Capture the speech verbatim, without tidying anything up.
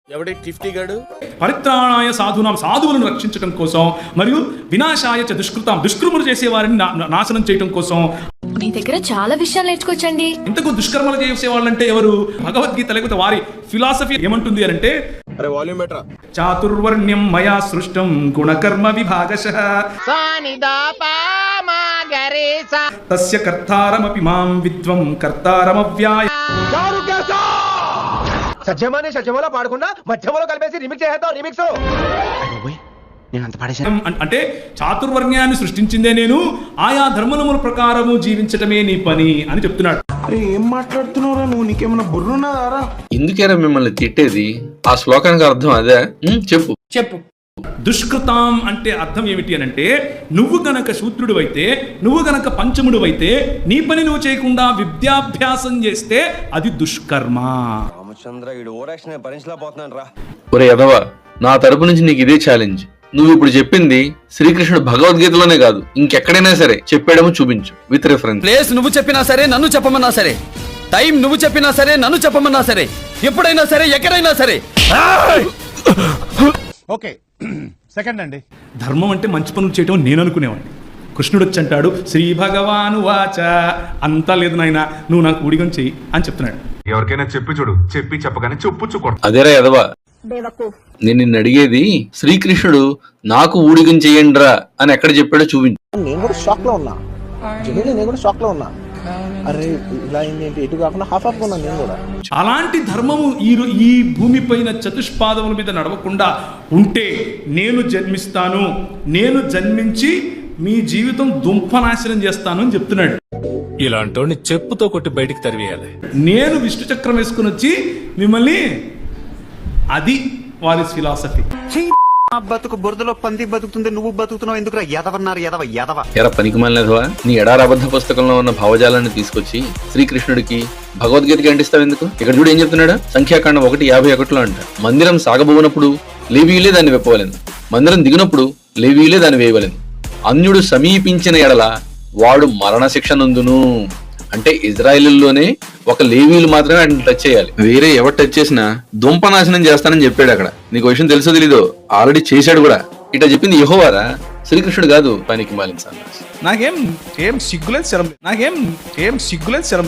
ఎవడి టిఫ్టీ గాడు? పరిత్రాణాయ సాధునాం, సాధువులను రక్షించడం కోసం, మరియు వినాశాయ చ దుష్కృతాం, దుష్కర్మలు చేసేవారిని నాశనం చేయడం కోసం. మీ దగ్గర చాలా విషయాలు నేర్చుకోవచ్చండి. ఇంతకు దుష్కర్మలు చేసేవాళ్ళంటే ఎవరు? భగవద్గీత లేకపోతే వారి ఫిలాసఫీ ఏమంటుంది అని అంటే, అరే వాల్యూమ్ బెటరా. చాతుర్వర్ణ్యం మయా సృష్టం గుణకర్మ విభాగశః తస్య కర్తారమపి మాం విద్వం కర్తారమవ్యాయ. సత్యమాని సత్యమలో పాడకుండా మధ్యమలో కలిపేసి రిమిక్స్ చేసేద్దాం. రిమిక్స్ అంటే చాతుర్వర్ణ్యాన్ని సృష్టించిందే నేను, ఆయా ధర్మముల ప్రకారము జీవించటమే నీ పని అని చెప్తున్నాడు. ఏం మాట్లాడుతున్నావురా నువ్వు? నీకేమన్నా బుర్రున్నదారా? ఎందుకేరా మిమ్మల్ని తిట్టేది? ఆ శ్లోకానికి అర్థం అదే. చెప్పు చెప్పు దుష్కృతాం అంటే అర్థం ఏమిటి అని అంటే, నువ్వు గనక శూద్రుడు అయితే, నువ్వు గనక పంచముడు అయితే, నీ పని నువ్వు చేయకుండా విద్యాభ్యాసం చేస్తే అది దుష్కర్మ. రామచంద్ర ఈడు ఓరాక్షన్ భరించలేకపోతున్నాను రా. ఒరే యదవ, నా తరపు నుంచి నీకు ఇదే ఛాలెంజ్. నువ్వు ఇప్పుడు చెప్పింది శ్రీకృష్ణుడు భగవద్గీతలోనే కాదు, ఇంకెక్కడైనా సరే చెప్పాడేమో చూపించు విత్ రిఫరెన్స్. ప్లేస్ నువ్వు చెప్పినా సరే, నన్ను చెప్పమన్నా సరే, టైం నువ్వు చెప్పినా సరే, నన్ను చెప్పమన్నా సరే, ఎప్పుడైనా సరే, ఎక్కడైనా సరే. ఓకే సెకండ్ అండి. ధర్మం అంటే మంచి పనులు చేయటం నేను అనుకునేవాడిని. కృష్ణుడు వచ్చి అంటాడు, శ్రీ భగవాను వాచ, అంతా లేదు నాయన, నువ్వు నాకు ఊడిగం చెయ్యి అని చెప్తున్నాడు. ఎవరికైనా చెప్పి చూడు, చెప్పి చెప్పగానే చెప్పు కొడతా. అదేరా యదవ, నేను నిన్ను అడిగేది శ్రీకృష్ణుడు నాకు ఊడిగం చెయ్యండిరా అని ఎక్కడ చెప్పాడో చూపించు. నేను కూడా షాక్ లో ఉన్నా. నేను కూడా షాక్ లో ఉన్నా. అరే ఇలా ఏంటి, ఎటు కాకుండా హాఫ్ హాఫ్ ఉన్నా నేను కూడా. అలాంటి ధర్మము ఈ ఈ భూమి పైన చతుష్పాదముల మీద నడవకుండా ఉంటే నేను జన్మిస్తాను, నేను జన్మించి మీ జీవితం దుంపనాశనం చేస్తాను అని చెప్తున్నాడు. ఇలాంటోని చెప్పుతో కొట్టి బయటికి తరివేయాలి. నేను విష్ణు చక్రం వేసుకుని వచ్చి మిమ్మల్ని, అది వారి ఫిలాసఫీ. బతుకు బురదలో పంది బతుకుతుంది, నువ్వు బతుకుతున్నావు ఎందుకురా? ఎదవన్నారు ఎదవ ఎదవ. ఎరా పనికిమాలినదవా, నీ ఎడారబద్ధ పుస్తకంలో ఉన్న భావజాలాన్ని తీసుకొచ్చి శ్రీకృష్ణుడికి భగవద్గీతకి అంటిస్తావు ఎందుకు? ఇక్కడ చూడు ఏం చెప్తున్నాడు, సంఖ్యాకాండం ఒకటి యాభై ఒకటిలో అంట, మందిరం సాగబోనప్పుడు లేవీయులే దాన్ని వెప్పవలేదు, మందిరం దిగినప్పుడు లేవీయులే దాన్ని వేయవలేదు, అన్యుడు సమీపించిన ఎడల వాడు మరణ శిక్ష నందును. అంటే ఇజ్రాయిల్లోనే ఒక లేవీలు మాత్రమే ఆయన టచ్ చేయాలి, వేరే ఎవరు టచ్ చేసినా దుంపనాశనం చేస్తానని చెప్పాడు. అక్కడ నీకు విషయం తెలుసో తెలీదో, ఆల్రెడీ చేశాడు కూడా. ఇట్లా చెప్పింది యెహోవారా, శ్రీకృష్ణుడు కాదు. పనికి మాలిన సన్నాసి. నాకేం ఏం సిగ్గులేదు శరం, నాకేం ఏం సిగ్గులేదు శరం.